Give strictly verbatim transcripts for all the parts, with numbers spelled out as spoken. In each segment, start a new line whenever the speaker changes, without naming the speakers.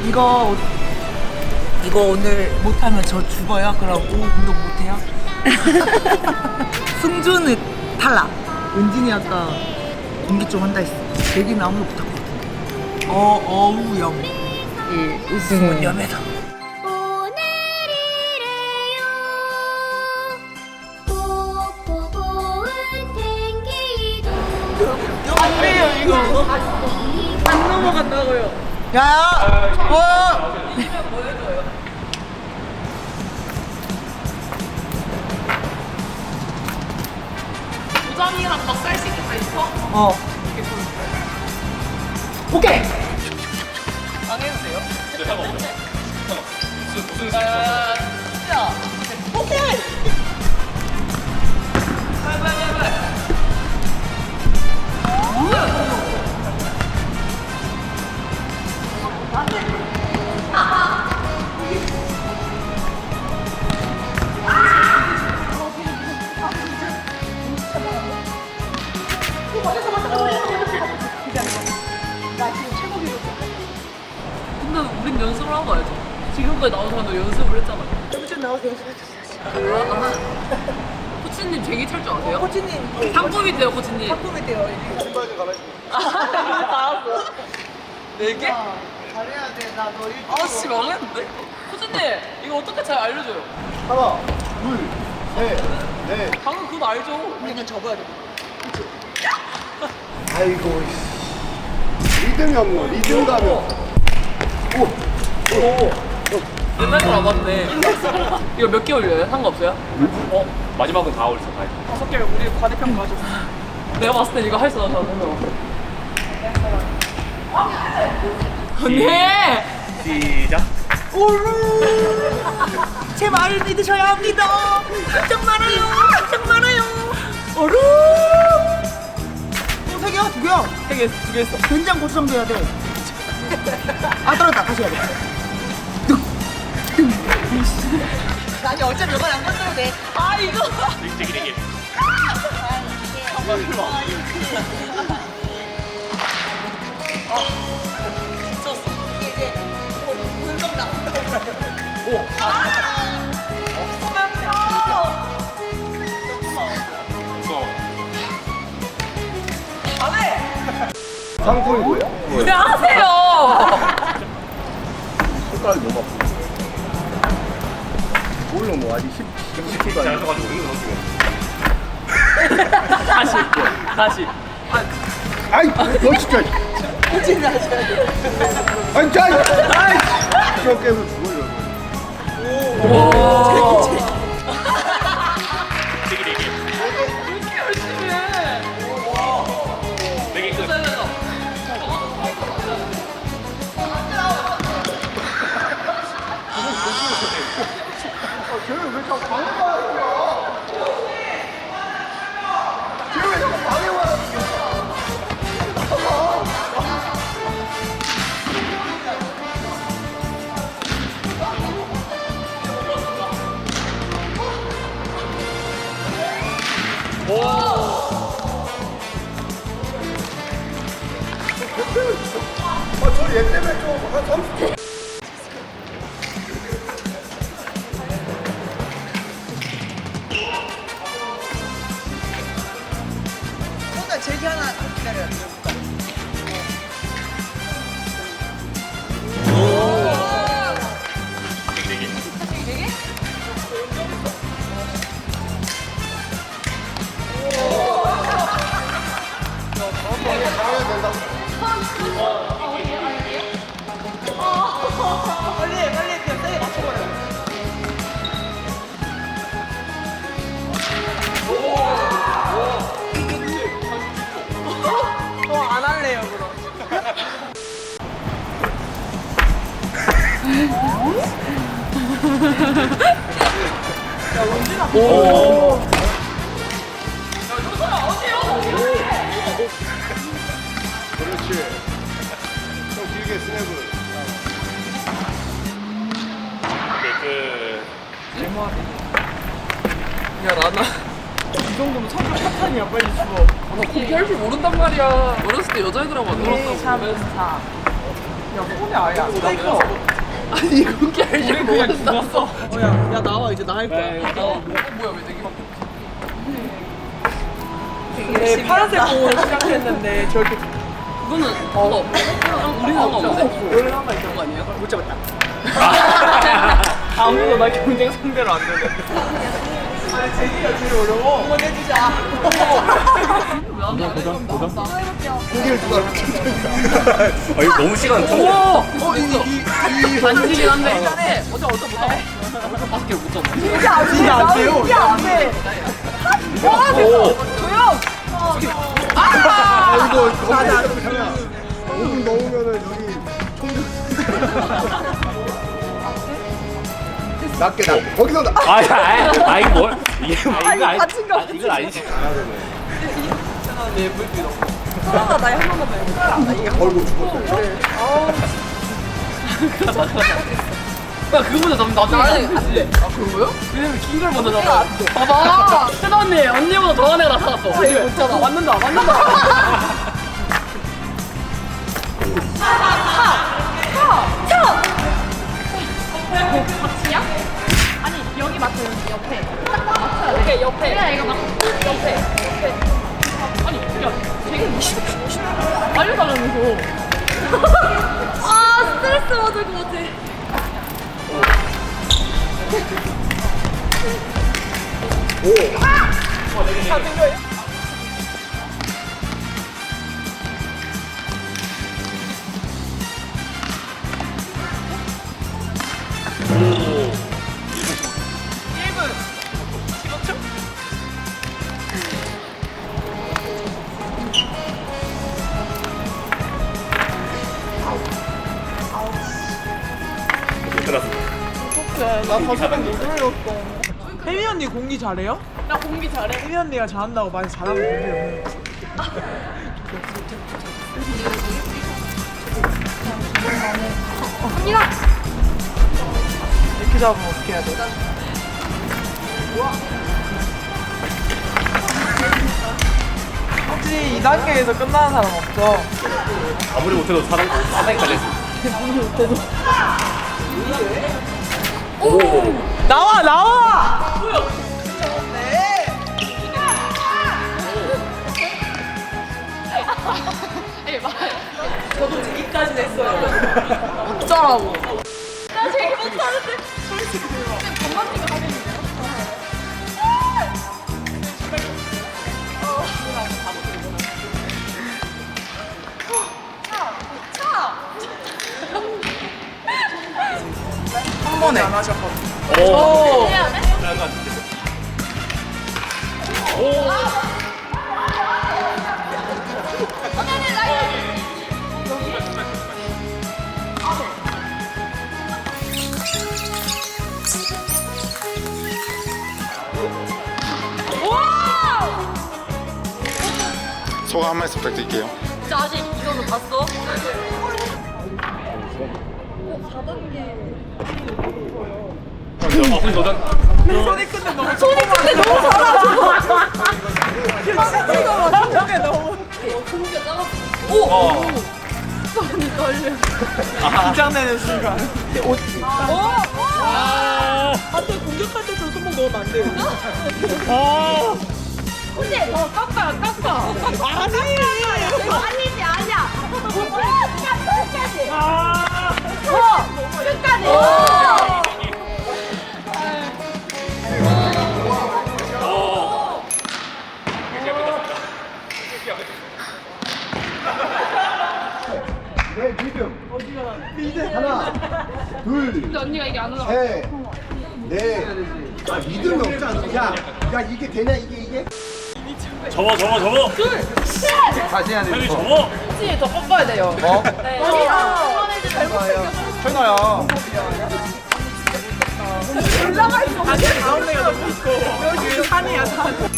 이거 이거 오늘 못하면 저 죽어요? 그럼 오후 운동 못해요? 승주는 탈락. 은진이 아까 공기 좀 한다 했어. 대기는 아무도 못할 것 같은데. 어, 어우염. 이 우승은 염에다. 안 돼요 이거. 안 넘어간다고요. 야야. 어.
도장이랑 막 쌀 수 있겠다 있어?
어. 오케이.
안 해도 돼요?
진짜 상관없어요. 무슨 무슨
아, 진짜.
오케이.
빨리 빨리 빨리. 근데 우린 연습을 하고 와야죠. 지금까지 나온 사람도 연습을 했잖아.
좀 나와서 연습해주세요.
코치님 쟁이 찰 줄 아세요?
코치님
상품인데요, 코치님.
상품이 돼요.
신발좀 갈아입고.
나왔어. 네 개?
잘해야 돼. 나너 일.
아씨 망했는데? 코치님 이거 어떻게 잘 알려줘요?
하나, 둘, 셋, 넷.
방금 그거 알죠?
우리는 접어야 돼.
아이고, 씨. 리듬이 없노, 리듬 가면. 오, 오, 오.
옛날 거안 맞네. 이거 몇 개 올려요? 상관없어요?
어? 마지막은 다 올렸어. 다.
다섯 개 우리 과대평 가졌어. 내가 봤을 때 이거 할 수 없어. 언니!
시작.
제 말을 믿으셔야 합니다. 걱정 말아요. 걱정 말아요. 어루. 세 개야? 두 개야?
세 개, 두 개 했어.
된장 고추장도 해야 돼. 아 떨어졌다. 다시 해야 돼. 아니 어차피 이건 안 건드려도 돼.
아, 이거!
되게 되게.
미쳤어.
이게 이제 분석 나온다.
오. 무서워.
안 해!
상품이 뭐예요?
그냥 하세요!
손가락이 너무 아프고. 뭘로 뭐 아직 십, 십 킬도
잘
아니고.
써가지고 이거 넣었어.
다시, 다시.
아이, 너 진짜.
코치님 하셔야 돼.
아니, 자, 아이, 저 깨서 죽어요.
오.
되게 되게.
왜 이렇게 열심히 해?
되게 끝.
쟤는 왜 자꾸 방해와? 쟤는 왜 자꾸 방해와? 아, 저얘 때문에 좀한 삼십 초.
일단 제기 하나 기다려야 돼.
되게 되게.
방해가 된다.
빨리 해, 빨리 해. 그냥 세게 맞춰버려. 저 안 할래요, 그럼. 야, 원진아.
오.
그렇지. 좀 길게 스냅을.
그.
야, 나나. 이 정도면 성격 파탄이야, 빨리 죽어. 나 그렇게 할 줄 모른단 말이야. 어렸을 때 여자애들하고 안 놀았다고.
일, 삼, 사. 손이 아예 안 닿아. 아니 그게 알지 그냥 죽었어. 어야 야 나와 이제 나 할 거야. 나와. 어, 뭐야 왜 내기밖에 없지? 되게 파란색 공으로 시작했는데 저렇게
그거는 그거 없어. 우리 상관없는데?
원래 한번 있던 거 아니에요? 못 잡았다.
아무도 나 경쟁 상대로 안 되는데.
아니 제기가 제일 어려워. 한번 해주자.
도전 도전.
고개를 누가 이렇게
아 이거 너무 시간 좀.
오!
어? 이, 이, 이,
반지긴 한데.
일단해.
어제 어제 못 잡아. 어제 다섯 개를 못 잡아.
진짜 안 돼. 진짜 안 돼요. 진짜 안 돼. 와 됐어. 조용.
아, 이거 너무 그냥 오 분 넘으면은 여기 총격. 낮게 낮게 거기서 나.
아, 아, 아 이거 뭘? 이게 아, 이거 아니.
다친 거
아, 이건 아니지.
사랑아 나한 번만 더 해볼게.
걸고 죽었어.
야 그거보다 나 나중에
나는
잡히지.
안 돼. 아 그거요?
왜냐면 긴 걸 먼저 잡아. 봐봐. 세나 언니 언니보다 더한 애가 나타났어.
아, 이거 못 잡아.
맞는다 맞는다.
같이야? 아니 여기 맞춰 여기 옆에 딱 맞춰야 돼. 오케이 옆에. 그래 이거 막 옆에 옆에.
아니 야 되게 무시 알려달라면서.
아 스트레스 받을 것 같아.
끝났어.
나 가사랑 못 올렸어. 혜미 언니 공기 잘해요?
나 공기 잘해.
혜미 언니가 잘한다고 많이 잘하고 있는데
갑니다.
이렇게 잡으면 어떻게 해야 돼? 혹시 이 단계에서 끝나는 사람 없죠?
아무리 못해도 사람 사상까지 했어.
나와 나와! 저도 제기까지 냈어요. 어쩌라고?
나 제일 못하는데. 건반지가 하겠는데요?
한 번에 안 하셨거든요.
오.
해야 돼?
나은 것 같은데.
언니 나
소감 한 말씀 부탁드릴게요.
진짜 아직 이거는 봤어?
어, 도전.
손이 근데 너무 손이 근데 너무 잘하죠. 손이 근데 너무
공기가 작았어.
어.
손이 떨려.
긴장되는 순간. 옷.
아.
안돼 공격할 때 저 손목 넣으면 안 돼요.
아.
근데 어 깎아 깎아.
아니.
이거 아니지 아니야. 끝까지. 어 끝까지.
오. 이렇게 끝났습니다.
네, 리듬. 리듬. 하나, 둘,
근데 언니가 이게 안 올라가.
셋, 넷. 아, 리듬이 없지 않아? 야, 야 이게 되냐 이게 이게?
접어 접어 접어.
다시 해야
형이 접어.
혹시 더 꺾어야 돼요.
어?
네. 언니가 이제 잘못
현아야.
올라가 있어.
다시 가운데가 너무 있고. 여기 산이야 산.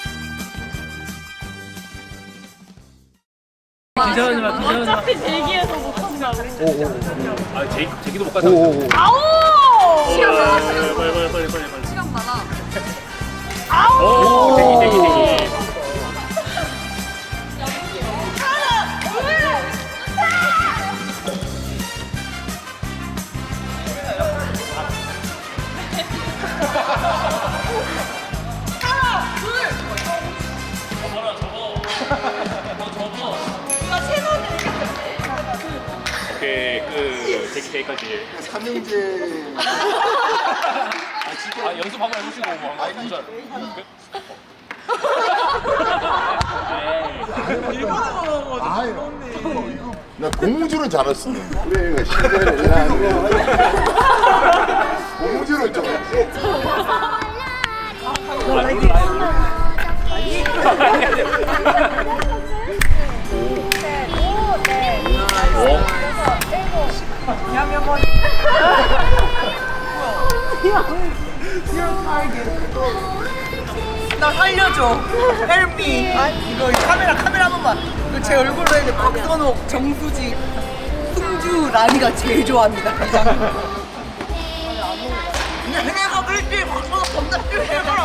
기자하지 마 기자하지 마.
어차피 대기에서 못한다고.
아 제기 제기도 못 가자.
오오오.
아우. 시간 많아.
빨리 빨리 빨리 빨리 빨리.
시간 많아.
오 대기 대기 대기. 여기까지.
삼형제.
아 연습 한번 해보시고 뭐 한번 해보자.
아, 이거 나 고무줄은 잘 왔어. 그래, 신기하네. 야, 고무줄은 좀.
나 살려줘. Help me. 이거 카메라 카메라 한 번만. 이거 제 얼굴로 해야 돼. 박선옥, 정수지, 흥주, 라니가 제일 좋아합니다. 그냥 그냥 가고 일주일 박선옥 겁나 싫어해.